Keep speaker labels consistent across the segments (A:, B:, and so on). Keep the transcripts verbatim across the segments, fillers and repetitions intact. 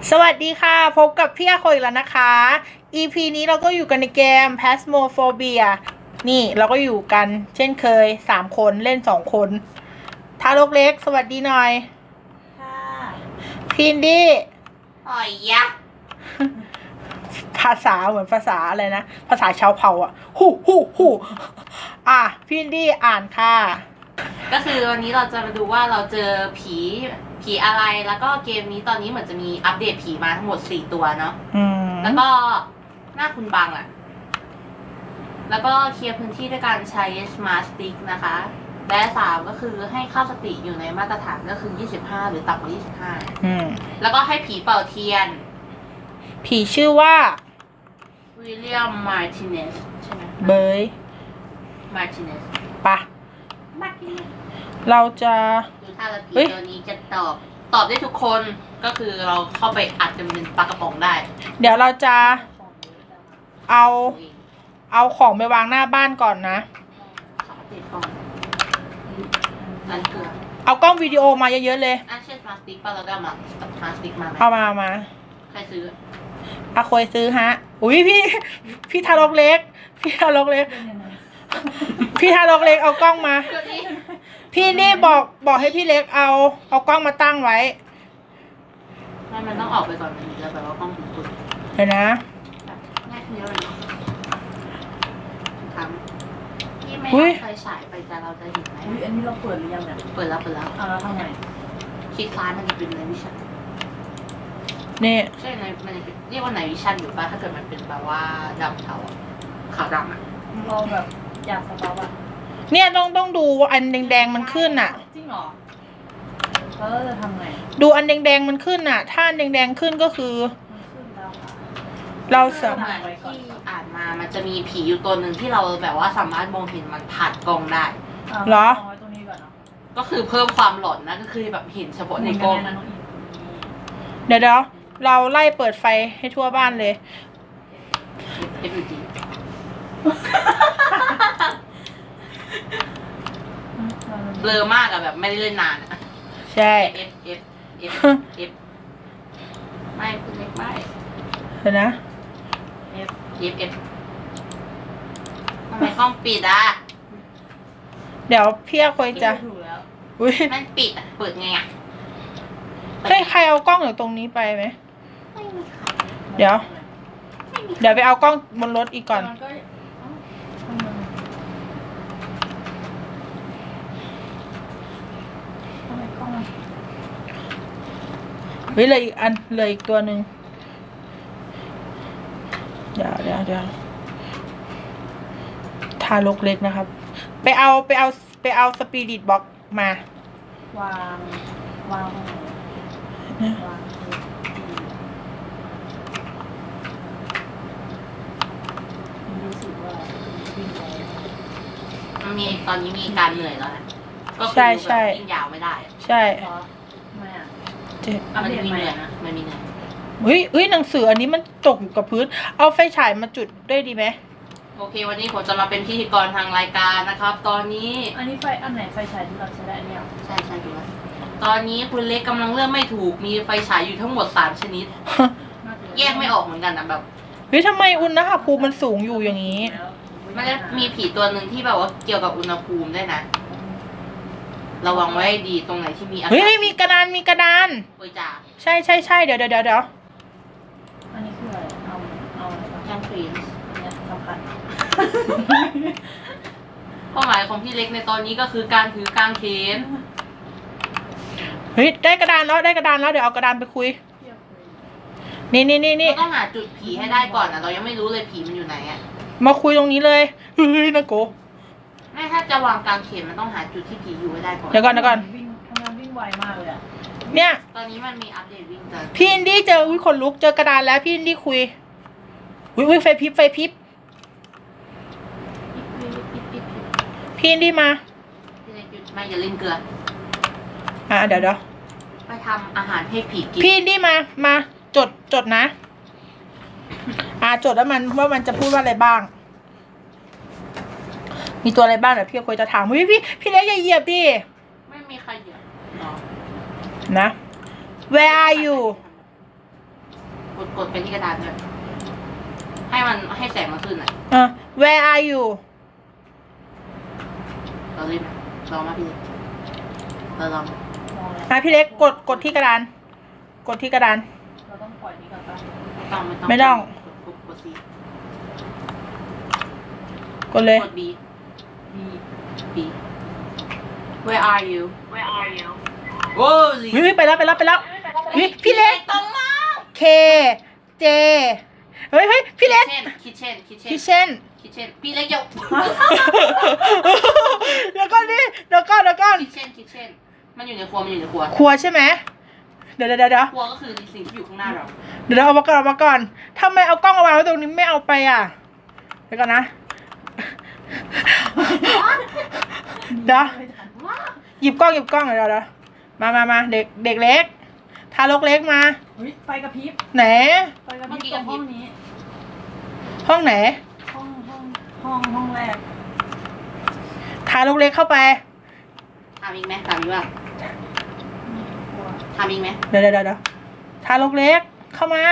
A: สวัสดีค่ะพบกับพี่อาโคอีกแล้วนะคะ อี พี นี้เราก็อยู่กันในเกม Phasmophobia นี่เราก็อยู่กันเช่นเคยสามคนเล่นสองคนทารกเล็กสวัสดีหน่อย
B: ค่ะ
A: พินดี้
B: อ่อยยะ
A: ภาษาเหมือนภาษาอะไรนะภาษาชาวเผ่าอ่ะฮู้ฮู้ฮู้อ่ะพินดี้อ่านค่ะ
B: ก็คือวันนี้เราจะมาดูว่าเราเจอผีผีอะไรแล้วก็เกมนี้ตอนนี้เหมือนจะมีอัปเดตผีมาทั้งหมดสี่ตัวเนาะแล้วก็หน้าคุณบังอ่ะแล้วก็เคลียร์พื้นที่ด้วยการใช้ Smart Stick นะคะและสามก็คือให้ค่าสติอยู่ในมาตรฐานก็คือยี่สิบห้าหรือต่ำกว่ายี่สิบห้า
A: อืม
B: แล้วก็ให้ผีเป่าเทียน
A: ผีชื่อว่า
B: วิลเลียมมาร์ติเนสใช่ไหม
A: เบย
B: มาร์ติเนส
A: ปะเราจะ
B: ดูถ้าเราผีตัวนี้จะตอบตอบได้ทุกคนก็คือเราเข้าไปอัดจนเป็นปลากระป๋องได้
A: เดี๋ยวเราจะเอาเอาของไปวางหน้าบ้านก่อนนะเอากล้องวิดีโอมาเยอะๆเลย
B: อ่ะเช่นสมาร์ทสติ๊กป่ะเราได้มาสมาร์ทสติ๊กมาไหม
A: เอามามา
B: ใครซื้อ
A: อาคอยซื้อฮะอุ้ยพี่พี่ทารกเล็กพี่ทารกเล็กพี่ทารกเล็กเอากล้องมาพี่นี่บอกบอกให้พี่เล็กเอาเอากล้องมาตั้งไว้
B: ไม่มันต้องออกไปก่อนมันจะแบบว่ากล้องถึงตุ่น
A: เดี๋ยวนะ
B: ง่ายขึ้นเยอะเลยทำพี่ไม่เอาไฟฉายไปจะเราจะเห็นไหม
C: อุ้ยอันนี้เราเปิดหรือยังเนี่ย
B: เปิดแล้วเปิดแล้ว
C: เอาแล้วทำไง
B: คลิกซ้ายมันจะเป็นในวิชั่น
A: นี่
B: ใช่ในมันจะเรียกว่าในวิชั่นอยู่ป่ะถ้าเกิดมันเป็นแบบว่าดำเทาขาวดำอ่ะ
C: เราแบบอยากสต็อปอ่ะ
A: เนี่ยต้องต้องดูว่าอันแดงๆมันขึ้นอ่ะ
C: จริงเหรอแล้วเราจะทำไง
A: ดูอันแดงๆมันขึ้นอ่ะถ้าอันแดงๆขึ้นก็คือเราสามารถ
B: ที่อ่านมามันจะมีผีอยู่ตัวหนึ่งที่เราแบบว่าสามารถมองเห็นมันผ่านกล้องได้
A: เหรอ
B: ก็คือเพิ่มความหลอนนะก็คือแบบเห็นเฉพาะในกล้อง
A: เดี๋ยวเดี๋ยวเราไล่เปิดไฟให้ทั่วบ้านเลย
B: เอฟยูดีเบลอมากอะแบบไม่ได้เล่นนานอะ
A: ใช่
B: เอฟเอฟเอฟเอฟไม่คุณเล็กไม่
A: เดี๋ยวนะ
B: เอฟเอฟเอฟทำไมกล้องปิดอะ
A: เดี๋ยวพี่อาคอยจะ
B: อุ้ยมันปิดอะเปิดไงอะ
A: เฮ้ยใครเอากล้องอยู่ตรงนี้ไปไหมเดี๋ยวเดี๋ยวไปเอากล้องบนรถอีกก่อนเฮ้ยเลยอีกอันเลยอีกตัวหนึ่งเดี๋ยวเดี๋ยวเดี๋ยวทารกเล็กนะครับไปเอาไปเอาไปเอาสปิริตบ็อกมาว
C: างวางวาง
B: มันมีตอนนี้มีการเหนื่อยแล้วนะก็คือแบบยิ่งยาวไม่ได้
A: ใช่
C: ไม่อะ
B: มันมีเหนื่อยนะมันมีเหนื่อย
A: เฮ้ยเฮ้ยหนังสืออันนี้มันตกอยู่กับพื้นเอาไฟฉายมาจุดได้ดีไหม
B: โอเควันนี้ผมจะมาเป็นพิธีกรทางรายการนะครับตอนนี้
C: อันนี้ไฟอันไหนไฟฉายที่เราใช้ได้อันนี้
B: ใช่ใช่ดูว่าตอนนี้คุณเล็กกำลังเลือกไม่ถูกมีไฟฉายอยู่ทั้งหมดสามชนิดแยกไม่ออกเหมือนกันนะแบบ
A: เฮ้ยทำไมอุณหภูมิมันสูงอยู่อย่างนี้
B: มันจะมีผีตัวหนึ่งที่แบบว่าเกี่ยวกับอุณหภูมิได้นะระวังไว้ดีตรงไหนที่มีอากาศ
A: เฮ้ยมีกระดานมีกระดาน
B: โอ้ยจ่า
A: ใช่ใช่ใช่เดี๋ยวเดี๋ยวเดี๋ยวเดี๋ยว
C: อันนี้คืออะไรเอาเอา
B: แคนฟรีน
C: เนี่ยสำคัญ
B: เป้าหมายของพี่เล็กในตอนนี้ก็คือการถือกางเขน
A: เฮ้ยได้กระดานแล้วได้กระดานแล้วเดี๋ยวเอากระดานไปคุยนี่นี่นี่นี่
B: เราต้องหาจุดผีให้ได้ก่อนนะเรายังไม่รู้เลยผีมันอยู่ไหนอ่ะ
A: มาคุยตรงนี้เลยเฮ้ยนะโก
B: ไม่ถ้าจะวางกางเขนมันต้องหาจุดที่ผีอยู่ให้ได้ก่อน
A: เดี๋ยวก่อนเดี๋ยวก่อน
C: วิ่งทำงานวิ่งไวมากเลยอ่ะ
A: เนี่ย
B: ตอนนี้มันมีอัปเดตวิ่งเจอ
A: พี่อินดี้เจออุ้ยคนลุกเจอกระดานแล้วพี่อินดี้คุยอุ้ยอุ้ยไฟพิบไฟพิบพี่อินดี้มา
B: พี่เล็กหยุดไม่อย่าเล่นเกลือ
A: อ่ะเดี๋ยวเดี๋ยว
B: ไปทำอาหารให้ผีกิน
A: พี่อินดี้มามาจดจดนะอ่าจดแล้วมันว่ามันจะพูดว่าอะไรบ้างมีตัวอะไรบ้างเดี๋ยวพี่คุยจะถามพี่พี่พี่เล็กอย่าเหยียบดิ
B: ไม่มีใครเหยียบ
A: นะ Where are you
B: ดกดไปที่กระดานด้วยให้มันให้แสงมันขึ้นอ่ะ
A: อ่ะ where are you
B: เราเล่นไหมลองมาพี่เราลอง
C: มองเลย
A: อ่ะพี่เล็กกดกดที่กระดาน กดที่กระดาน
C: เราต้องปล่อยนี้ก่อนปะ
B: ไม่ต้องไม่ต้อง
A: ไม่ต้อง
B: กดกดซี
A: กดเลย
B: กด B
C: ดี
B: B Where are you Where are you โอ้ย
A: วิวไปแล้วไปแล้วไปแล้ววิพี่เล็ก
B: ตรงมาก
A: K J เฮ้ยเฮ้ยพี่เล็ก
B: คิทเช่นคิทเช่น
A: พี่เช่น
B: คิทเช่นพี่เล็กเดี๋ยว
A: เดี๋ยวก่อนดิเดี๋ยวก่อนเดี๋ยวก่อน
B: คิทเช่นคิทเช่นมันอยู่ในครัวมันอยู่ในครัว
A: ครัวใช่ไหมเดี๋ยวเดี๋ยวเดี๋ยวเดี๋ยว
B: ครัวก็คือสิ่งที่อยู่ข้างหน้าเรา
A: เดี๋ยวเอามาก่อนเอามาก่อนทำไมเอากล้องมาวางไว้ตรงนี้ไม่เอาไปอ่ะเดี๋ยวก่อนนะเดี๋ยวหยิบกล้องหยิบกล้องเดี๋ยวเดี๋ยวมามามาเด็กเด็กเล็กทารกเล็กมา
C: เฮ้ยไฟกระพริบ
A: ไหน
C: ไฟกระพริบตรงห้องนี้
A: ห้องไหน
C: ห้องห้องห้องห้องแรก
A: ทารกเล็กเข้าไป
B: ทำอีกไหมทำอีกว่า
C: ครัว
B: ทำอีกไหม
A: เดี๋ยวเดี๋ยวเดี๋ยวทารกเล็กเข้ามา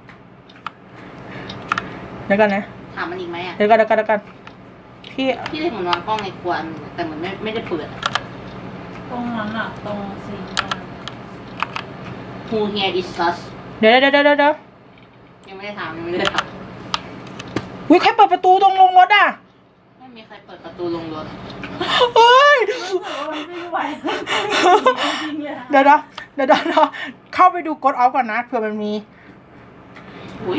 A: เดี๋ยวก่อนนะ
B: ถามมันอีกไหมอ่ะ
A: เดี๋ยวก่อนเดี๋ยวก่อนเดี๋ยวก่อนพี่
B: พี่เล็กเหมือนวางกล้องในครัวอันหนึ่งแต่เหมือนไม่ไม่ได้เปิดอะ
C: ตรงนั้นอ่ะ ตรงซีนตรง
B: Who here is sus
A: เดี๋ยวเดี๋ยวเดี๋ยวเดี๋ยวเดี๋ยว
B: ยังไม่ได้ถามยังไม่ได้ถาม
A: อุ้ยใครเปิดประตูตรงลงรถอ่ะ
B: ไม่มีใครเปิดประตูลงรถ
A: เฮ้ย
C: รู้สึกว่ามันไม่ไหวจริงๆเลยอะ
A: เดี๋ยวเดี๋ยวเดี๋ยวเดี๋ยวเดี๋ยวเข้าไปดูกดออฟก่อนนะเผื่อมันมี
B: อุ้ย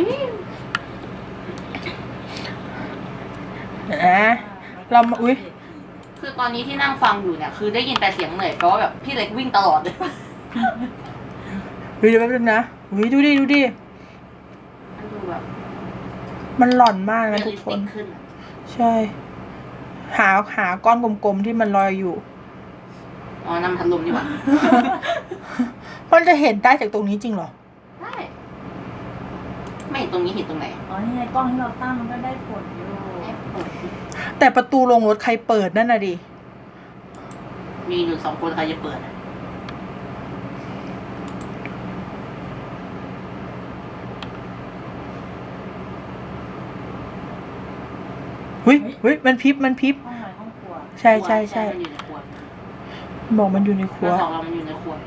A: เดี๋ยวนะเรามาอุ้ย
B: คือตอนนี้ที่นั่งฟังอยู่เนี่ยคือได้ยินแต่เสียงเหนื่อยเพราะว่าแบบพี่เล็กวิ่งตลอดเลย
A: เฮ้ยเดี๋ยวแป๊บนึงนะอุ้ยดูดิดูดิ
B: มันดูแบบ
A: มันหล่อนมาก
B: เรี
A: นะ
B: ยล
A: ทุ
B: ลิ
A: ก
B: ส
A: ค
B: ติ
A: น
B: กขึ้นอะ
A: ใช่ หาหาก้อนกลมๆที่มันลอยอยู่
B: อ๋อน้ำพัดลมดีกว่า
A: มันจะเห็นได้จากตรงนี้จริงเหรอ
B: ได้ ไม่เห็นตรงนี้เห็นตรงไหน
C: อ๋อนี่ไงกล้องที่เราตั้งมันก็ได้ผลอยู่
B: แอบเปิด
A: แต่ประตูลงรถใครเปิดนั่นน่ะดิ
B: มีอยู่สองคนใครจะเปิดอะ
A: เฮ้ยเฮ้ยมันพริบมันพริบ
C: ห้องไหนห้องครัว
A: ใช่ใช่ใช่
B: มันอยู่ในครัว
A: บอกมันอยู่ในครัว
B: เราสองเรามันอยู่ในครัว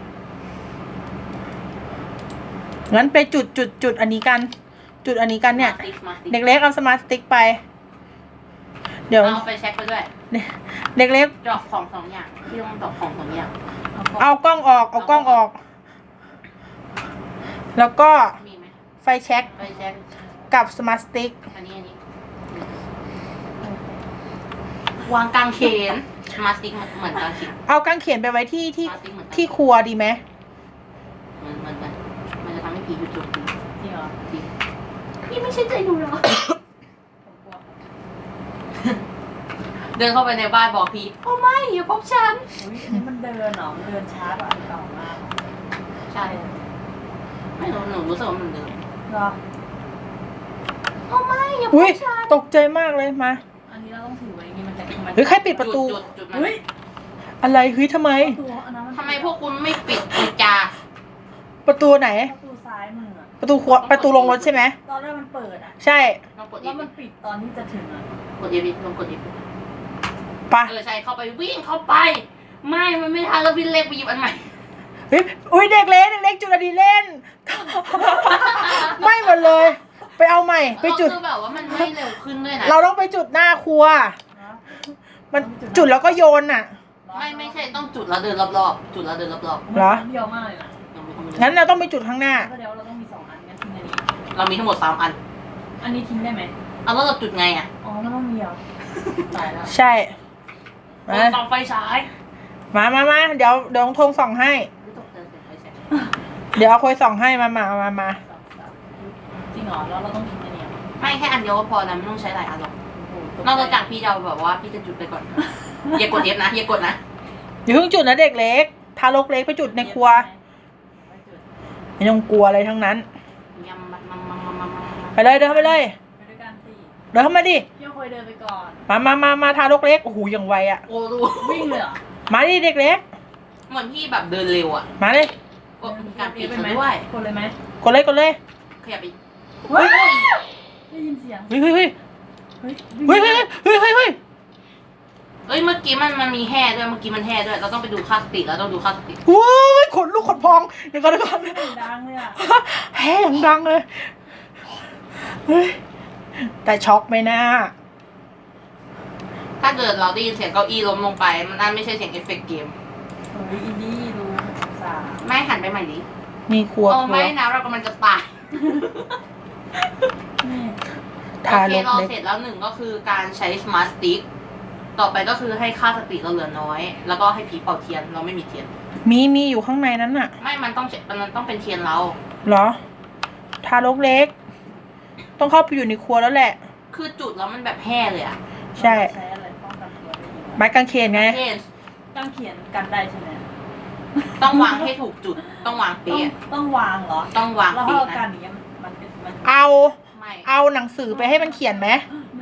A: งั้นไปจุดจุดจุดอันนี้กัน จุดอันนี้กันเนี่ย
B: มาติ๊กมาติ๊ก
A: เด็กเล็กเอาสมาร์ทสติ๊กไป เดี๋ยว
B: เอาไปเช็คไปด้วย
A: เด็กเล็ก
B: ดอกของสองอย่างที่ต้องดอกของสองอย่าง
A: เอากล้องออก เอากล้องออก แล้วก็
B: มีไหม
A: ไฟแช็ก
B: ไปเช็ค
A: กับสมาร์ทสติ๊ก
B: อันนี้อันนี้วางกางเขนมาสติ๊กเหมือนกางเขน
A: เอากางเขนไปไว้ที่ที่
B: มาสติ๊กเหมือนกัน
A: ที่ครัวดีไหม
B: เหมือนเหมือนกันมันจะทำให้ผีหยุดโจมตี
C: จริงเหรอ
B: จริงพี่ไม่ใช่ใจดูหรอ
C: ผมกลัว
B: เดินเข้าไปในบ้านบอกพี่โอ้ไม่อย่าพบฉัน
C: อุ้ยอันนี้มันเดินเหรอมันเดินช้ากว่าอันเก่ามาก
B: ใช่ไม่รู้หนูรู้สึกว่ามันเดิน
C: เหรอ
B: โอ้ไม่อย่าพ
A: อุ้ย
B: บฉัน
A: ตกใจมากเลยมา
C: อันนี้เราต้องถือไว้อย่างงี้มันจะมัน
A: เฮ้ยใครปิดประตู
B: จุดจุดมัน
C: เฮ้ย
A: อะไรเฮ้ยทำไม
C: ประตูอันนั้นมัน
B: ทำไมพวกคุณไม่ปิดกุญแจ
A: ประตูไหน
C: ประตูซ้ายมืออะ
A: ประตูครัวประตูลงรถใช่ไหม
C: ตอนแรกมันเปิดอ่ะ
A: ใช่
B: ลองกด
C: แล้ว
B: อี
C: มันปิดตอนที่จะถึงอ่ะ
B: กดอีพีลองกดอีพี
A: ปะ
B: เออใช่เข้าไปวิ่งเข้าไป ไม่มันไม่ทันแล้วพี่เล็กไปหยิบอันใหม่
A: เฮ้ยอุ้ยเด็กเล็กเด็กเล็กจุดอดีเล่น ไม่หมดเลย ไปเอาใหม่ ไปจุด
B: คือแบบว่ามันไม่เร็วขึ้นด้วยนะ
A: เราต้องไปจุดหน้าครัว
C: เนาะ
A: มันจุดแล้วก็โยนน่ะ
B: ไม่ไม่ใช่ต้องจุดแล้วเดินรอบๆจุดแล้วเดินรอบ
A: เหรอ
C: เดียวมากเลยนะ
B: ๆยังไม่ทำเลย
A: งั้นเราต้องไปจุดข้างหน้า
C: ก็เดี๋ยวเราต้องมีสองอันงั้นทิ้งอันนี้
B: เรามีทั้งหมดสามอัน
C: อันนี้ทิ้งได้ไหม
B: เอาแล้วเราจุดไงอ่ะ
C: อ๋อแล้วมันมีเหรอตายแล้ว
A: ใช่
B: ก
A: มา
B: ดส่องไฟฉาย
A: มามามาเดี๋ยวเดี๋ยวน้องธงส่องให้
B: ไม่ตกใจเสียงไฟฉาย
A: เดี๋ยวเอาคุยส่องให้มามามามา
C: จริงเหรอแล้วเราต้องทิ้งอันนี้เหรอ
B: ไม่แค่อันเดียวก็พอนะไม่ต้องใช้หลายอันหรอก
C: โอ้โห
B: นอกจากพี่จะเอาแบบว่าพี่จะจุดไปก่อน อย่ากดเอฟนะอย่ากดนะ
A: อย่าเพิ่งจุดนะเด็กเล็ก ทารกเล็กไปจุดในครัว
C: ไม่จุด
A: ไม่ต้องกลัวอะไรทั้งนั้น
B: ยำมัมมัมมัมมัมมัม
A: ไปเลยเดินเข้าไปเลย
C: ไปด้วยกันสิ
A: เดินเข้ามาดิ
C: พี่เคยเดินไปก่อน
A: มามามามาทารกเล็ก โอ้โหอย่างไวอะ
B: โอ้ดู
C: วิ่งเลยเหรอ
A: มาดิเด็กเล็ก
B: เหมือนพี่แบบเดินเร็วอ่ะ
A: มาเลย
B: กดมีการปิดซะด้วย
C: คนเลยไหม
A: กดเลยกดเลย
B: ขยับไป
C: เฮ้ยได้ยินเสียง
A: เฮ้ยเฮ้ยเฮ้ย
C: เฮ้ย
A: เฮ้ยเฮ้ยเฮ้ยเฮ้ยเฮ้ย
B: เอ้ยเมื่อกี้มันมันมีแห่ด้วยเมื่อกี้มันแห่ด้วยเราต้องไปดูค่าสติแล้วต้องดูค่าสติ
A: ว้ายขนลุกขนพองเดี๋ยวก่อนเดี๋ยวก่อน
C: เสียงดังเลยอ่ะ
A: แฮ่อย่างดังเลยเฮ้ยแต่ช็อกไหมนะ
B: ถ้าเกิดเราได้ยินเสียงเก้าอี้ล้มลงไปมันนั่นไม่ใช่เสียงเอฟเฟกต์เกม
C: เฮ้ยอินดี้ดูสาม
B: ไม่หันไปใหม่ดิ
A: มีครัว
B: โอ้
A: ครัว
B: ไม่นะเรากำลังจะตาย
C: นี่
A: ทา
B: โอเค
A: รก
B: เรา
A: เล็ก
B: เสร็จแล้วหนึ่งก็คือการใช้สมาร์ทสติ๊กต่อไปก็คือให้ค่าสติเราเหลือน้อย แล้วก็ให้ผีเป่าเทียนเราไม่มีเทียน
A: มีมีอยู่ข้างในนั้นน่ะ
B: ไม่มันต้องมันต้องเป็นเทียนเรา
A: เหรอ ทารกเล็ก ต้องเข้าไปอยู่ในครัวแล้วแหละ
B: คือจุดแล้วมันแบบแห่เลยอะ
A: ใช่
C: ใช้อะไรป้องกันตัวได้ยังไง
A: ไม้กางเขนไง
B: เช่น
C: ต้องเขียนกันได้ใช่ไหม
B: ต้องวางให้ถูกจุดต้องวาง
C: ต้อง
B: เป๊ะ
C: ต้องวางเหรอ
B: ต้องวาง
C: แล้วถ้า
B: เป๊ะ
C: เรากั
B: นะ
C: นอย่างเงี้ยมันเป็นมัน
A: เอา
B: ไม่
A: เอาหนังสือไปให้มันเขียนไหม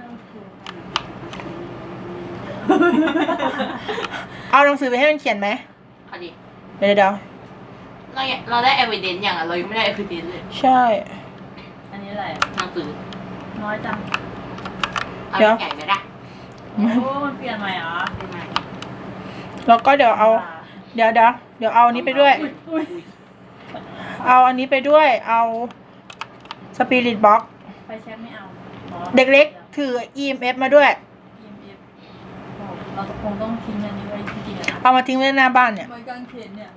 A: เอาหนังสือไปให้มันเขียนไหม
B: เอาดิ
A: เดี๋ยวเดี๋ยว
B: เราเราได้ evidence อย่างอะเรายังไม่ได้ evidence เลย
A: ใช่
C: อันนี้อะไร
B: หนังสือ
C: น้อยจัง
B: เอา
A: เดี๋ยว
B: ใหญ่ไหมล่ะ
C: โอ้มันเปลี่ยนใหม่เหรอ
B: ได้ไหม
A: แล้วก็เดี๋ยวเอา เดี๋ยวเดี๋ยวเดี๋ยวเอาอันนี้ไปด้วย
C: อุ้ยอุ้ย
A: เอาอันนี้ไปด้วย เอาสปิริตบ็อก
C: ไฟแช็กไม่เอาอ๋อ
A: เด็กเล็กถือ อี เอ็ม เอฟ มาด้วย
C: อี เอ็ม เอฟ โอ้เราคงต้องทิ้งอันนี้ไว้จริงๆอะนะ
A: เอามาทิ้งไว้หน้าบ้านเนี่ย
C: ไว้กางเขนเนี่ย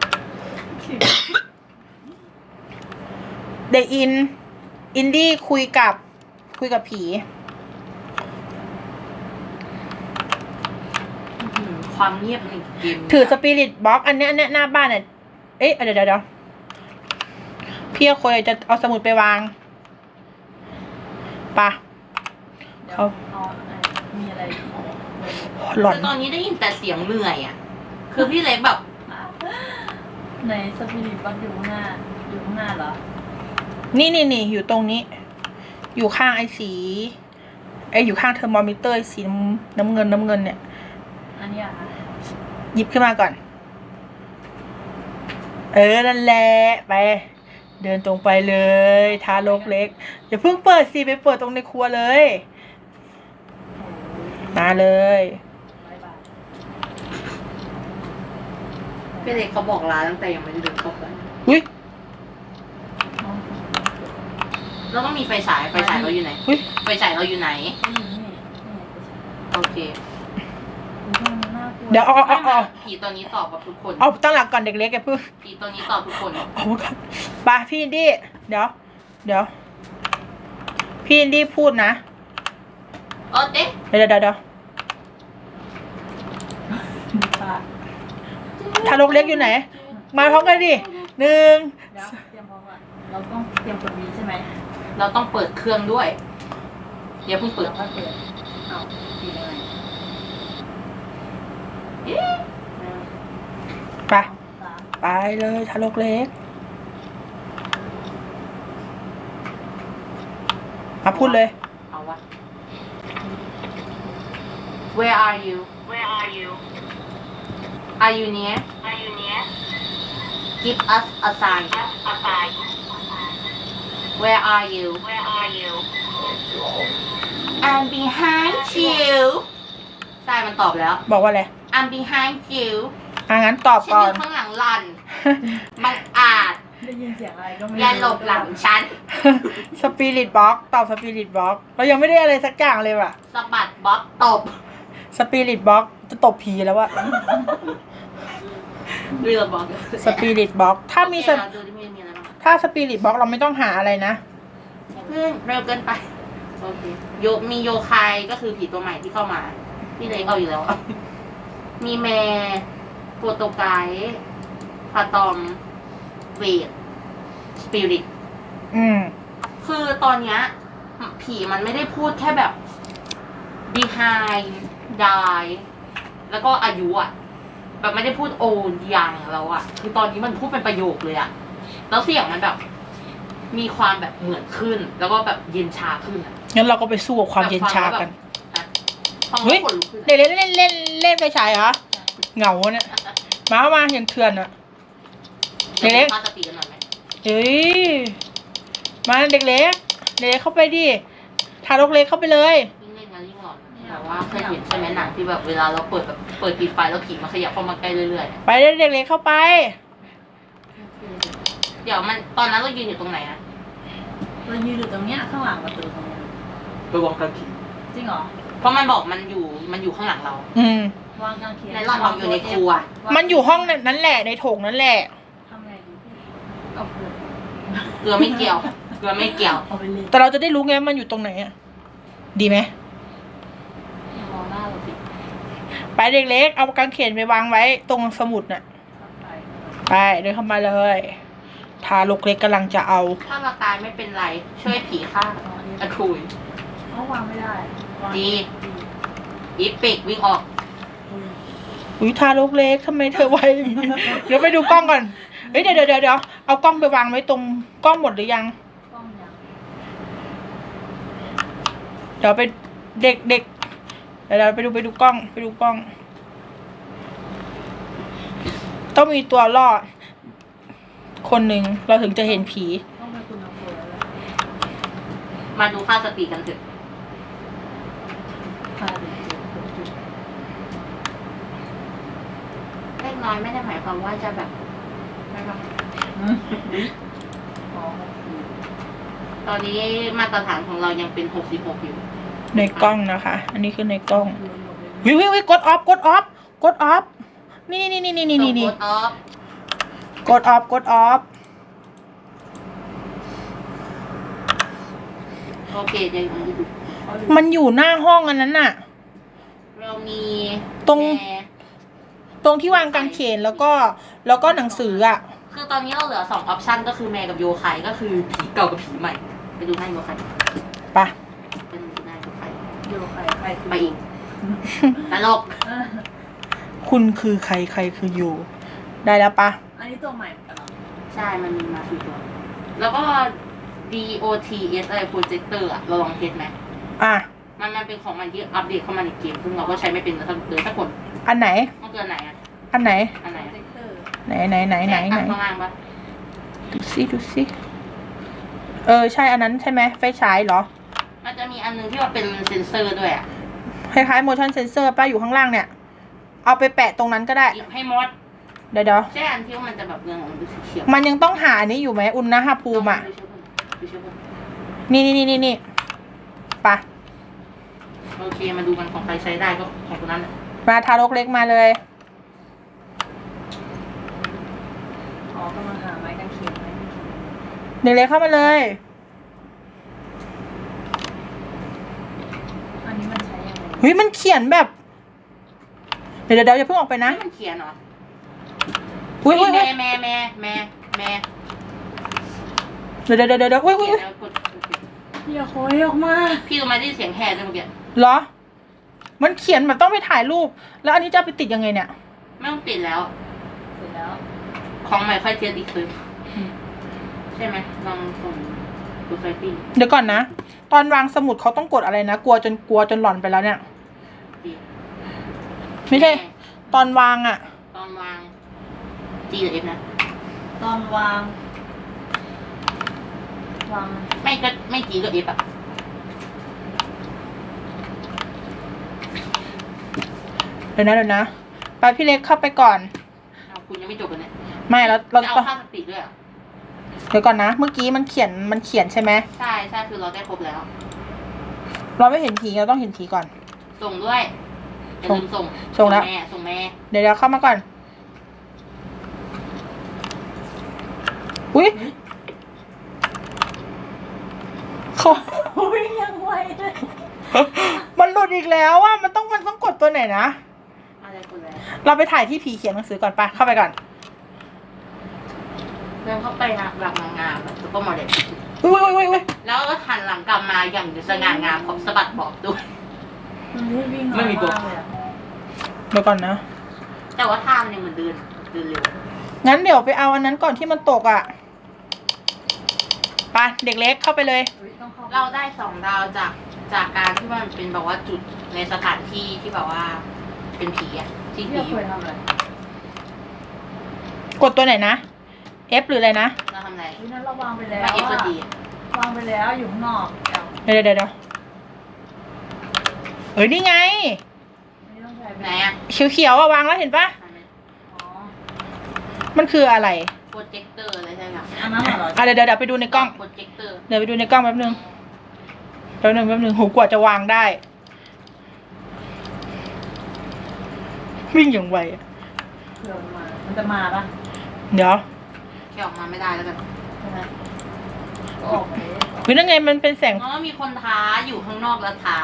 A: เด็กอิน อินดี้คุยกับ คุยกับผี
B: อื้อหือความเงียบในเกม
A: ถือสปิริตบ็อกอันเนี้ยอันเนี้ยหน้าบ้านเนี่ยเอ๊ะเดี๋ยวเดี๋ยวเดี๋ยวพี่คุยจะเอาสมุดไปวางปะ
C: เดี๋ยว
A: เอา
C: เอาอะไรมีอะไรอีกไหม
A: หลอน
B: คือตอนนี้ได้ยินแต่เสียงเหนื่อยอะคือพี่เล็กแบบ
C: ในสปิริตวัดอยู่ข้างหน้า อยู่ข้างหน้าเหรอ
A: นี่นี่นี่อยู่ตรงนี้ อยู่ข้างไอ้สีไอ้อยู่ข้างเทอร์โมมิเตอร์สีน้ำน้ำเงินน้ำเงินเนี่ย
C: อันนี้อะคะ
A: หยิบขึ้นมาก่อน เออ นั่นแหละ ไป เดินตรงไปเลย ทารกเล็ก อย่าเพิ่งเปิดสิ ไปเปิดตรงในครัวเลย มาเลย
C: บายบาย
B: พี่เล็กเขาบอกลาตั้งแต่ยังไม่ได้เดินเข้าไป
A: อุ้ย
C: น้อง
B: แล้วก็มีไฟฉายไฟฉายเราอยู่ไหน
A: อุ้ย
B: ไฟฉายเราอยู่ไหน
C: นี่นี่นี่
B: โอเค
C: ไปใช้ดูมันน่ากลัว
A: เดี๋ยวเอาเอาเอาเอา
B: ผีตัวนี้ตอบกับทุกคน
A: เอาตั้งหลักก่อนเด็กเล็กแกเพิ่ง
B: ผีตัวนี้ตอบทุกคน
A: เอาก่อนไปพี่อินดี้ เดี๋ยว เดี๋ยว พี่อินดี้พูดนะ
B: เออเด็ก
A: เดี๋ยวเดี๋ยวเดี๋ยว
C: ดูปาก
A: ทารกเล็กอยู่ไหน มาพร้อมกันดิหนึ่ง
C: เดี๋ยวเตรียมพร้อมก่อนเราต้องเตรียมกดวีใช่ไหม
B: เราต้องเปิดเครื่องด้วยอย่าเพิ่งเปิด
C: เราค่อยเปิดเอาทียังไง
B: เอ๊ะ
C: หนึ่ง
A: ไป
C: สาม
A: ไปเลยทารกเล็กมาพูดเลย
B: เอาวะ Where are you Where are you Are you near Are you near Give us a sign a sign Where are you Where are you I'm behind you ใช่มันตอบแล้ว
A: บอกว่าอะไร
B: I'm behind you
A: อ่ะงั้นตอบ
B: ฉัน
A: ก่
B: อ
A: อน
B: ยู่ข้างหลังหลันบังอาจ
C: ได้ยินเสียงอะไรก็ไม่
B: อย่าหลบหลังฉัน
A: สปิริตบ็อกตอบสปิริตบ็อกเรายังไม่ได้อะไรสักอย่างเลยว่ะ
B: สะบัดบ๊อบตบ
A: สปิริตบ็อกจะตบผีแล้วว่ะ
B: เรือบอก
A: สปิริตบ็อกถ้ามี
B: โอเคเราดูที่มีอะไรบ้าง
A: ถ้าสปิริตบ็อกเราไม่ต้องหาอะไรนะ
B: เพิ่งเร็วเกินไป โอเค โยมีโยคายก็คือผีตัวใหม่ที่เข้ามา พี่เล็กเอาอยู่แล้ว มีแมร์โปรโตไกด์พาตอม เวท สปิริต
A: อืม
B: คือตอนเนี้ยผีมันไม่ได้พูดแค่แบบ behind die แล้วก็อายุอะแบบไม่ได้พูดโอนยังแล้วอะคือตอนนี้มันพูดเป็นประโยคเลยอะแล้วเสียงมันแบบ มีความแบบเหมือนขึ้น แล้วก็แบบเย็นชาขึ้นอะ
A: งั้นเราก็ไปสู้กับความเย็นชากัน
B: ฟัง
A: เฮ้
B: แล้ว
A: ย
B: ขนลุกขึ้น
A: เด็กเล่นเล่นเล่นเล่นไฟฉายเหรอ เหงาเนี่ย มามาอย่างเถื่อนอะ
B: เดี๋ยวเราตั้งสติกันหน่อยไหม
A: เอ้ยมาเด็กเล็กเด็กเล็กเข้าไปดิทารกเล็กเข้าไปเลย
B: ยิ่งเล่นงานยิ่งหลอนแต่ว่าเคยเห็นใช่ไหมหนังที่แบบเวลาเราเปิดแบบเปิดปิดไฟแล้วผีมันขยับเข้ามาใกล้เรื่อยๆเนี่ย
A: ไปเลยเด็กเล็กเข้าไป
B: เดี๋ยวมันตอนนั้นเรายืนอยู่ตรงไหนอะ
C: เรายืนอยู่ตรงเนี้ยข้างหลังประตูตรงเนี้ย
D: ระวังการผี
C: จริงเหรอ
B: เพราะมันบอกมันอยู่มันอยู่ข้างหลังเรา
A: อืม
C: วางกางเขน
B: ในหลอนบอกอยู่ในครัว
A: มันอยู่ห้องนั้นแหละในโถงนั่นแหละ
C: ทำไงดีเอาเกลือ
B: เกลือไม่เกี่ยวเกลือไม่เกี่ยว
C: เอาไปเลย
A: แต่เราจะได้รู้ไงว่ามันอยู่ตรงไหนอ่ะดีไหม
B: อย่ามองหน้าเราสิ
A: ไปเด็กเล็กเอากางเขนไปวางไว้ตรงสมุดน่ะ
C: ไป
A: ไปเดินเข้ามาเลยทารกเล็กกำลังจะเอา
B: ถ้าเราตายไม่เป็นไรช่วยผีฆ่าอะคุย
C: เอาวางไม่ได้วาง
B: ดี อีปิกวิ่งออก
A: อุ้ยทารกเล็กทำไมเธอไวอย่างนี้ เดี๋ยวไปดูกล้องก่อนเฮ้ยเดี๋ยวเดี๋ยวเดี๋ยวเดี๋ยวเอากล้องไปวางไว้ตรงกล้องหมดหรือยัง
C: กล้องยัง
A: เดี๋ยวไปเด็กเด็กเดี๋ยวเราไปดูไปดูกล้องไปดูกล้อง ต้องมีตัวรอด คนหนึ่งเราถึงจะเห็นผี
C: ต้องไปคุณน้ำฝนแล้วแหละ
B: มาดูค่าสติกันเถอะ
C: พาเด็กๆไปจุด
B: เล็กน้อยไม่ได้หมายความว่าจะแบบไม่แบบ
C: อืมอ๋อคือ
B: ตอนนี้มาตรฐานของเรายังเป็นหกสิบหกอยู่
A: ในกล้องนะคะ อันนี้คือในกล้อง
C: รวมๆเลย
A: วิววิววิวกดออฟกดออฟกดออฟนี่นี่นี่นี่นี่นี่นี่
B: ส่งโค้ดออฟ
A: กดออฟกดออฟ
B: โอเคเดี๋ยวดู
C: เอาดู
A: มันอยู่หน้าห้องอันนั้นน่ะ
B: เรามี
A: ตรง
B: แม่
A: ตรงที่วางกางเขนแล้วก็แล้วก็หนังสืออ่ะ
B: คือตอนนี้เราเหลือสองออปชันก็คือแม่กับโยไคก็คือผีเก่ากับผีใหม่ ไปดูหน้าโยไค
A: ไปะ
B: ไปดูหน้าโยไค
C: โยใครใครคือ
B: ไปอีกตลก
C: เออ
A: คุณคือใครใครคืออยู่ ได้แล้วปะ
C: อันนี้ตัวใหม่เหมือนกันเหรอ
B: ใช่มันมีมาสี่ตัว แล้วก็ ดี โอ ที เอส อะไรโปรเจคเตอร์อะเราลองเทสไหม
A: อ่ะ
B: มันมันเป็นของมันที่อัปเดตเข้ามาในเกมซึ่งเราก็ใช้ไม่เป็นเลยสักเลยสักคน
A: อันไหน
B: ต้องเกินไหนอะ
A: อันไหน
B: อันไหน
C: โปร
B: อะ
C: เจคเตอร์
A: ไหนไหนไหนไหนไหน
B: ข้างล่างปะ
A: ดูสิดูสิเออใช่อันนั้นใช่ไหมไฟฉายเหรอ
B: มันจะมีอันนึงที่ว่าเป็นเซนเซอร์ด้วยอะ
A: คล้ายๆ motion sensor ป้าอยู่ข้างล่างเนี่ย เอาไปแปะตรงนั้นก็ได้
B: หยิบให้มด
A: เดี๋ยวเดี๋ยว
B: ใช่อันที่ว่ามันจะแบบเรื่องของมันเป็นสีเขียว
A: มันยังต้องหาอันนี้อยู่ไหมอุณหภูมิอ่ะ
B: ดูเชื่อผม
A: นี่นี่นี่นี่นี่ไปะ
B: โอเคมาดูกันของใครใช้ได้ก็ของคนนั้นแหละ
A: มาทารกเล็กมาเลย
C: อ๋อกำลังหาไม้กางเขนไม้กางเขน
A: เด็กเล็กเข้ามาเลย
C: อันนี้มันใช้ยังไง
A: เฮ้ยมันเขียนแบบ เดี๋ยวเดี๋ยวเดี๋ยวอย่าเพิ่งออกไปนะ
B: นี่มันเขียนเหรอ
A: อุ้ยอุ้ยอุ้
B: แม่
A: ย
B: แม่แม่แม่แม่
A: เดี๋ยวเดี๋ยวเดี๋ยวเดี๋ยวอุ้ยอุ้ย
B: เขีย
A: อุ้ย
B: นแล้วกด
C: พี่โคยออกมา
B: พี่รู้ไหมที่เสียงแห่ด้วยเมื่อกี้
A: เหรอ มันเขียนแบบต้องไปถ่ายรูป แล้วอันนี้จะเอาไปติดยังไงเนี่ย
B: ไม่ต้องติดแล้ว
C: เสร็จแล้ว
B: ของใหม่ค่อยเทียบอีกคือใช่ไหมลองส่งดูไฟติ้ง
A: เดี๋ยวก่อนนะ ตอนวางสมุดเขาต้องกดอะไรนะ กลัวจนกลัวจนหลอนไปแล้วเนี่ย
B: ดี
A: ไม่ใช่ ตอนวางอ่ะ
B: ตอนวาง G หรือ F นะ
C: ตอนวาง วาง
B: ไม่ก็ไม่ G ก็ F อะ
A: เดี๋ยวนะเดี๋ยวนะ ไปพี่เล็กเข้าไปก่อน
B: เอาคุณยังไม่จบเลยเนี่ย
A: ไม่เราเรา
B: จะเอา
A: ต้อง
B: ค่าสติด้วยเหรอ
A: เดี๋ยวก่อนนะ เมื่อกี้มันเขียนมันเขียนใช่ไหม
B: ใช่ใช่คือเราได้ครบแล้ว
A: เราไม่เห็นผีเราต้องเห็นผีก่อน
B: ส่งด้วยอย่าลืมส่ง
A: ส่งแล้ว
B: แม่ส่งแม่
A: เดี๋ยวเดี๋ยวเข้ามาก่อน อุ้ยเขา
C: โอ้ยยังไวเลย
A: มันหลุดอีกแล้วอ่ะมันต้องมันต้องกดตัวไหนนะ
B: อะไรคุณแล้ว
A: เราไปถ่ายที่ผีเขียนหนังสือก่อนปะเข้าไปก่อน
B: เดินเข้าไปนะหลังงามแบบซุปเปอร์โมเดล
A: อุ้ยอุ้ยอุ้ยอุ้ย
B: แล้วก็หันหลังกลับมาอย่างสง่างามพร้อมสะบัดบอกด้วย
C: มันรีบวิ่ง
D: ไม่มีตัว
C: ากเลยอะ
A: เดี๋ยวก่อนนะ
B: แต่ว่าท่ามันยังเหมือนเดินเดินเร็ว
A: งั้นเดี๋ยวไปเอาอันนั้นก่อนที่มันตกอ่ะไปเด็กเล็กเข้าไปเลย
C: เฮ้ยต้องเข้า
B: เราได้สองดาวจากจากการที่ว่ามันเป็นแบบว่าจุดในสถานที่ที่แบบว่า เป็นผีอ่ะที่
C: พี่
B: ผี
C: เคยทำอะไร
A: กดตัวไหนนะ F หรืออะไรนะ
B: เราทำอะไร
C: วินั้นเราวางไปแล้ว
B: ว่าเอฟก็
C: อะ
B: ดี
C: วางไปแล้วอยู่ข้างนอกเอา
A: เดี๋ยวเดี๋ยวเดี๋ยวเอ้ยนี่ไง
C: ไม่ต้องใช้
B: ไหนอ่ะ
A: เขียวๆอะวางแล้วเห็นปะ
C: อ๋อ
A: มันคืออะไร
B: โปรเจคเตอร์อะไรใช่ไหม
C: อันนั้นเหรอ
A: อ่ะเดี๋ยวเดี๋ยวเดี๋ยวไปดูในกล้อง
B: โปรเจคเตอร์
A: เดี๋ยวไปดูในกล้องแป๊บนึงแป๊บนึงแป๊บนึงโหกว่าจะวางได้ วิ่งอย่างไวอะ
C: เผื่อมันมา มันจะมาปะ
A: เดี๋ยว
B: แค่ออกมาไม่ได้แล้วกัน
C: ใช่ไหมก็ออกไปเลย
A: เฮ้ยนั่นไงมันเป็นแสง
B: เพราะว่ามีคนท้าอยู่ข้างนอกแล้วท้า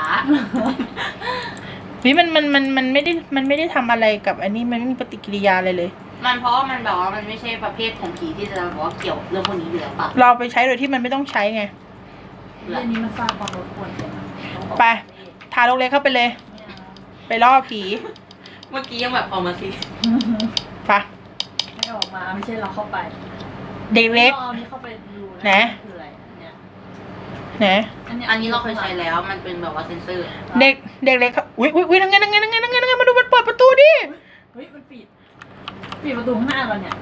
A: เฮ้ยมันมันมันมันไม่ได้มันไม่ได้ทำอะไรกับอันนี้มันไม่มีปฏิกิริยาอะไรเลย
B: มันเพราะว่ามันแบบว่ามันไม่ใช่ประเภทของผีที่จะบอกว่าเกี่ยวเรื่องพวกนี้อยู่แล้วปะ
A: เราไปใช้โดยที่มันไม่ต้องใช้ไง
C: เรื่องนี้มันสร้างความรบกวนเกินอะต้องออก
A: ไป ทารกเล็กเข้าไปเลย ไปล่อผี
B: เมื่อกี้ยังแบบออกมาสิ
A: ไป
C: ไม่ออกมาไม่ใช่เราเข้าไป
A: เด็กเล็ก
C: อาอันนี้เข้าไปดูนะ
A: ไหน
C: คืออะไรเนี่ย
A: ไหน
B: อันนี้เราเคยใช้แล้วมันเป็นแบบว่าเซนเซอร์
A: เด็กเด็กเล็กเขาอุ้ยอุ้ยอุ้ยนั่งไงนั่งไงนั่งไงนั่งไงนั่งไงมาดูมันเปิดประตูดิ
C: เฮ้ยมันปิดปิดประตูข้างหน้าเราเนี่ย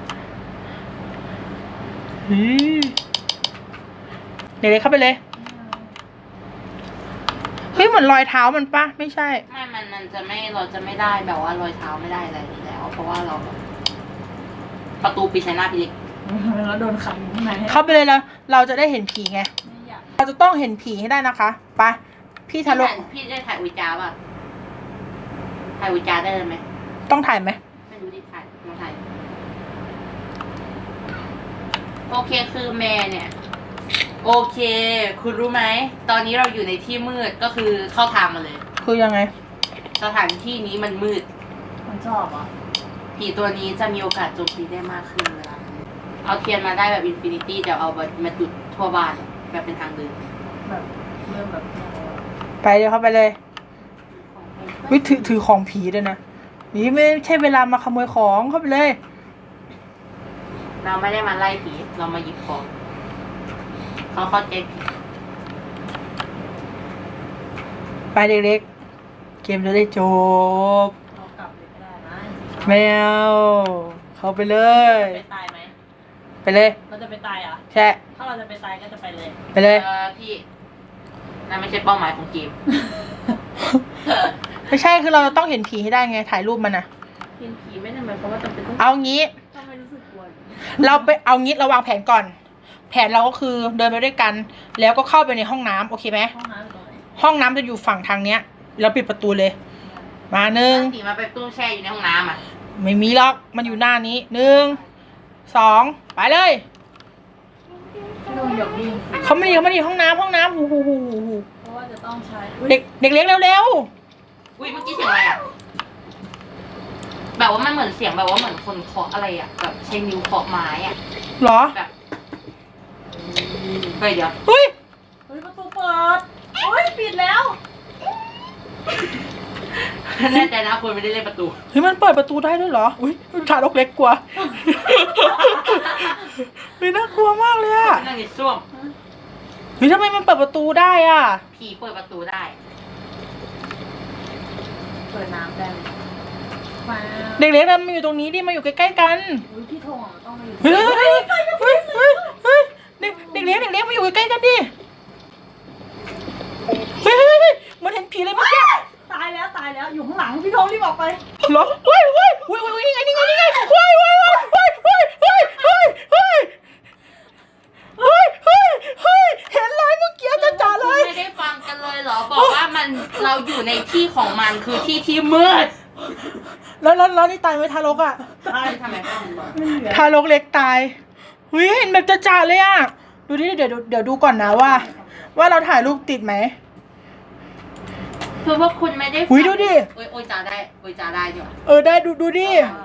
A: เฮ้ยเด็กเล็กเข้าไปเลยเฮ้ยเหมือนรอยเท้ามันปะไม่ใช่
B: ไม่มันมันจะไม่เราจะไม่ได้แบบว่ารอยเท้าไม่ได้อะไรอยู่แล้ว เพราะว่าเราแบบประตูปิดใส่หน้าพี่เล็ก
C: แล้วโดนขังอยู่ข้างใน
A: เข้าไปเลยแล้วเราจะได้เห็นผีไง
C: ไม่อยาก
A: เราจะต้องเห็นผีให้ได้นะคะไปพี่ทารก
B: พี่ได้ถ่ายอุจจาป่ะถ่ายอุจจาได้เลยไหม
A: ต้องถ่ายไหม
B: ไม่รู้ดิถ่ายมาถ่ายโอเคคือแม่เนี่ย โอเค คุณรู้ไหมตอนนี้เราอยู่ในที่มืดก็คือเข้าทางมาเลย
A: คือยังไง
B: สถานที่นี้มันมืด
C: มันชอบเหรอ่ะ
B: ผีตัวนี้จะมีโอกาสโจมตีได้มากขึ้นเวลาเอาเทียนมาได้แบบอินฟินิตี้เดี๋ยวเอามาจุดทั่วบ้านแบบเป็นทางเดิน
C: แบบเริ่มแบบ
A: ไปเดี๋ยวเข้าไปเลยวิถือถือของผีด้วยนะนี่ไม่ใช่เวลามาขโมยของเข้าไปเลย
B: เราไม่ได้มาไล่ผีเรามาหยิบของเขาเข้าใจผิด
A: ไปเด็กๆเกมจะได้จบ
C: เรากลับเลยไม่ได้นะ
A: แมวเข้าไปเลย
C: ไปตายไหม
A: ไปเลย
C: เราจะไปตายเหรอ่ะ
A: แช่
C: ถ้าเราจะไปตายก็จะไปเลย
A: ไปเลย
B: เออพี่นั่นไม่ใช่เป้าหมายของเกม
A: ไม่ใช่คือเราต้องเห็นผีให้ได้ไงถ่ายรูปมันนะ
B: เห็นผีไม่ได้หมายความว่าจำเป็นต้อง
A: เอางี้
C: ทำไมรู้สึกกลัว
A: เราไปเอางี้เราวางแผนก่อน แผนเราก็คือเดินไปด้วยกัน แล้วก็เข้าไปในห้องน้ำโอเคไหม
C: ห้องน้ำอยู่ตรงไหน
A: ห้องน้ำจะอยู่ฝั่งทางเนี้ยเราปิดประตูเลย มาหนึ่ง
B: ผีมาไปตู้แช่อยู่ในห้องน้ำอ่ะ
A: ไม่มีหรอกมันอยู่หน้านี้หนึ่งสองไปเลย
C: พี่โดนหยอกดิ้งสิ
A: เขาไม่ดีเขาไม่ดีห้องน้ำห้องน้ำหูหูหูหูหู
C: เพราะว่าจะต้องใช้
A: เด็กเด็กเล็กเร็ว
B: อุ้ยเมื่อกี้เสียงอะไรอ่ะแบบว่ามันเหมือนเสียงแบบว่าเหมือนคนเคาะอะไรอ่ะแบบใช้นิ้วเคาะไม้อ่ะ
A: ๆเหรอ
B: แบบเฮ้ยเดี๋ยว
A: เฮ้ย
C: เฮ้ยประตูเปิดโอ้ยปิดแล้ว
B: แน่ใจนะคนไม่ได้เล่นประตู
A: เฮ้ยมันเปิดประตูได้ด้วยเหรออุ้ยทารกเล็กกลัว เฮ้ยน่ากลัวมากเลยอะ
B: นั่งในส้วม
A: เฮ้ยทำไมมันเปิดประตูได้อะ
B: ผีเปิดประตูได้
C: เปิดน้ำได้เลยว้าว
A: เด็กเล็กนะมาอยู่ตรงนี้ดิมาอยู่ใกล้ๆกัน
C: อุ้ยพี่โทงอ่ะต้องมาอยู่
A: เฮ้ยเฮ้ยเฮ้ยเฮ้ยเฮ้ยเด็กเด็กเล็กเด็กเล็กมาอยู่ใกล้ๆกันดิเฮ้ยเฮ้ยเฮ้ยเหมันเห็นผีเลยเมื่อกี้
C: ตายแล้วตายแล้วอยู่ข้างหลังพี่โทงรีบออกไป
A: เหรอเฮ้ยเฮ้ยเฮ้ยเฮ้ยนี่ไงนี่ไงนี่ไงเฮ้ยเฮ้ยเฮ้ยเฮ้ยเฮ้ยเฮ้ยเฮ้ยเฮ้ยเฮ้ยเฮ้ยเห็นเลยเมื่อกี้จะจ่าเลย
B: ไม่ได้ฟังกันเลยเหรอ บอกว่ามันเราอยู่ในที่ของมันคือที่ที่มืด
A: แล้วแล้วแล้วนี่ตายไหมทารกอ่ะ
C: ตาย
B: ทำไมฟังก่อน
C: ไม่เหลือ
A: ทารกเล็กตายเฮ้ยเห็นแบบจะจ่าเลยอ่ะดูดิเดี๋ยวเดี๋ยวดูก่อนนะว่า ว่าเราถ่ายรูปติดไหม
B: คือว่าคุณไม่ได้
A: อุ๊ยดูดิ
B: โอ้ยโอ้ยจาได้โอ้ยจาได้ดีกว่า
A: เออได้ดูดูดิ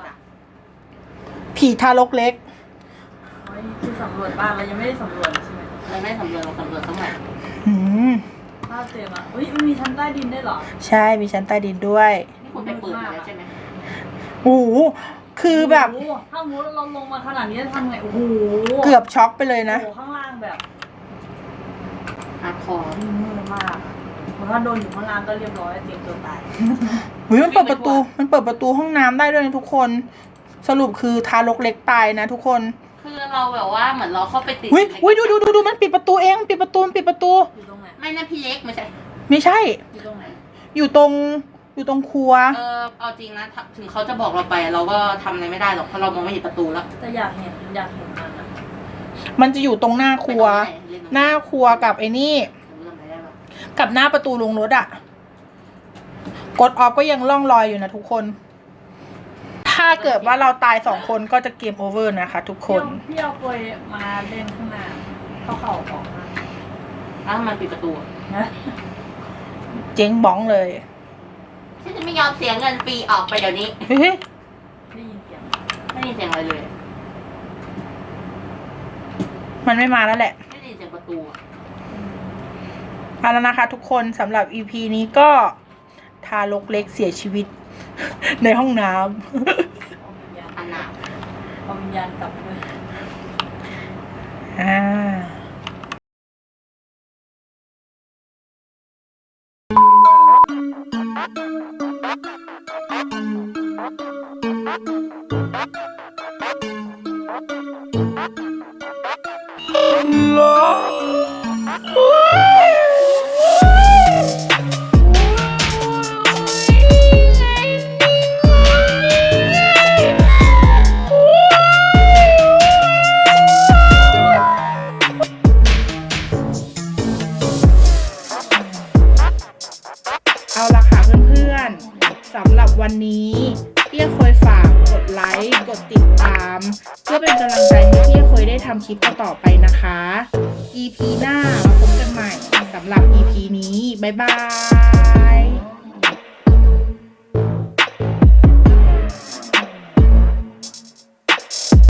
A: ผีทารกเล็ก
C: โอ้ยคือสำรวจบ้านเรายังไม่ได้สำรวจใช่ไหม
B: เราไม่สำรวจเราสำรวจสักหน่อย
A: อืม
C: ถ้าเจอมาอุ้ยมันมีชั้นใต้ดินได้วยเหรอ
A: ใช่มีชั้นใต้ดินด้วย
B: นี่คุณไปเปิดมาแล้วใช่ไหม
A: โอ้โหคือแบบ
C: โอ้โหถ้ามูเราลงมาขนาดนี้จะทำไงโอ้โห
A: เกือบช็อกไปเลยนะ
C: โอ้โหข้างล่างแบบ
B: ฮาร์ดคอร์
C: มืดมากเพราะถ้าโดนอยู่ข้างล่างก็เรียบร้อยเตรียมตัวตาย
A: เฮ้ยมันเปิดประตู มันเปิดประตูห้องน้ำได้ด้วยนะทุกคน สรุปคือทารกเล็กตายนะทุกคน
B: คือเราแบบว่าเหมือนเราเข้าไปติด
A: อุ้ยอุ้ยดูดูดูดูมันปิดประตูเองมันปิดประตูมันปิดประตู
C: อยู่ตรงไหน
B: ไม่นะพี่เล็กไม่ใช่
A: ไม่ใช่
C: อยู่ตรงไหน
A: อยู่ตรงอยู่ตรงครัว
B: เออเอาจริงนะถ้าถึงเขาจะบอกเราไปเราก็ทำอะไรไม่ได้หรอกเพราะเรามองไม่เห็นประตูแล้ว
C: แต่อยากเห็นอยากเห็นมันอะ
A: มันจะอยู่ตรงหน้าครัว
B: ไปตรงไหนเล่นตรง
A: หน้าครัวกับไอ้นี่
B: ผมจำไม่ได้หรอก
A: กับหน้าประตูลงรถอะกดออฟก็ยังล่องลอยอยู่นะทุกคน ถ้าเกิดว่าเราตายสองคนก็จะเกมโอเวอร์นะคะทุกคน
C: พี่เอากลวยมาเล่นข้างหน้าเข้าเข่าของมัน
B: อ้าวมันปิดประตูอะ
C: นะ
A: เจ๊งบ้องเลย
B: ฉันจะไม่ยอมเสียเงินฟรีออกไปเดี๋ยวนี้
A: เฮ้ย
C: ได้ยินเสียง
B: ไม่ได้ยินเสียงอะไรเลย
A: มันไม่มาแล้วแหละ
B: ไม่ได้ยินเสียงประตูอะ
A: เอาแล้วนะคะทุกคนสำหรับ อี พี นี้ก็ทารกเล็กเสียชีวิต ในห้องน้
C: เอาวิญญาณ
B: อันหนา
C: เอาวิญญาณกลับเลย
A: ำอ่า เอาละค่ะเพื่อนๆสำหรับวันนี้พี่เคยฝากกดไลค์กดติดตาม เพื่อเป็นกำลังใจให้พี่เคยได้ทำคลิปต่อๆไปนะคะ อี พี หน้ามาพบกันใหม่สำหรับ อี พี นี้บ๊ายบาย